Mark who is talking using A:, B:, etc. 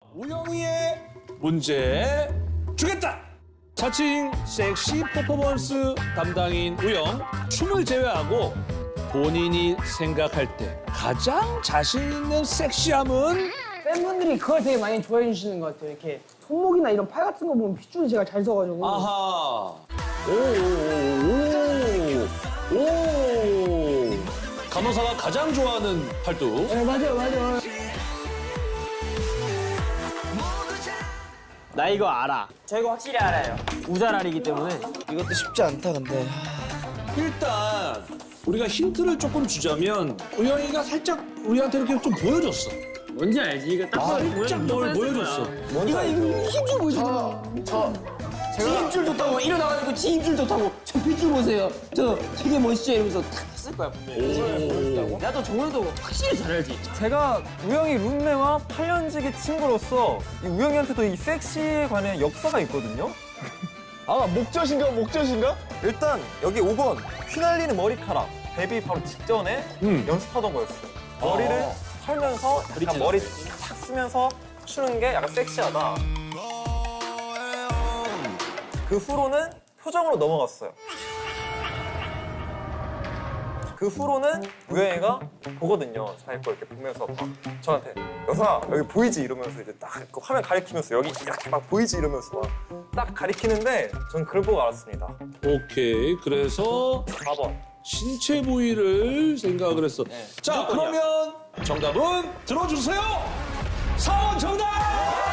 A: 우영이의 문제 주겠다. 자칭 섹시 퍼포먼스 담당인 우영. 춤을 제외하고 본인이 생각할 때 가장 자신 있는 섹시함은?
B: 팬분들이 그걸 되게 많이 좋아해 주시는 것 같아요. 이렇게 손목이나 이런 팔 같은 거 보면 핏줄이 제가 잘 서가지고.
A: 아하. 오. 간호사가 가장 좋아하는 팔뚝.
B: 네, 맞아요.
C: 나 이거 알아. 저 이거 확실히 알아요. 우자랄이기 때문에.
D: 이것도 쉽지 않다 근데.
A: 일단 우리가 힌트를 조금 주자면 우영이가 살짝 우리한테 이렇게 좀 보여줬어.
C: 뭔지 알지? 이거 딱 봐도
A: 살짝 뭘 보여줬어.
B: 이거 힘줄 보여주잖아.
C: 지 힘줄 좋다고 일어나가지고 지 힘줄 좋다고 저 핏줄 보세요. 저 되게 멋있죠 이러면서 탁 했을 거야 분명히. 나도 정우도 확실히 잘 알지.
E: 제가 우영이 룸메와 8년지기 친구로서 이 우영이한테도 이 섹시에 관한 역사가 있거든요. 아, 목젖인가? 일단 여기 5번 휘날리는 머리카락. 데뷔 바로 직전에 연습하던 거였어요. 머리를 털면서 약간 머리 탁 쓰면서 추는 게 약간 섹시하다. 그 후로는 표정으로 넘어갔어요. 그 후로는 우영이가 보거든요. 자기 거 이렇게 보면서 막 저한테 여사 여기 보이지 이러면서 이제 딱 그 화면 가리키면서 여기 이렇게 막 보이지 이러면서 막 딱 가리키는데 전 그걸 보고 알았습니다.
A: 오케이. 그래서
E: 4번.
A: 신체 부위를 생각을 했어. 자,
C: 무조건이야.
A: 그러면 정답은 들어주세요. 4번 정답!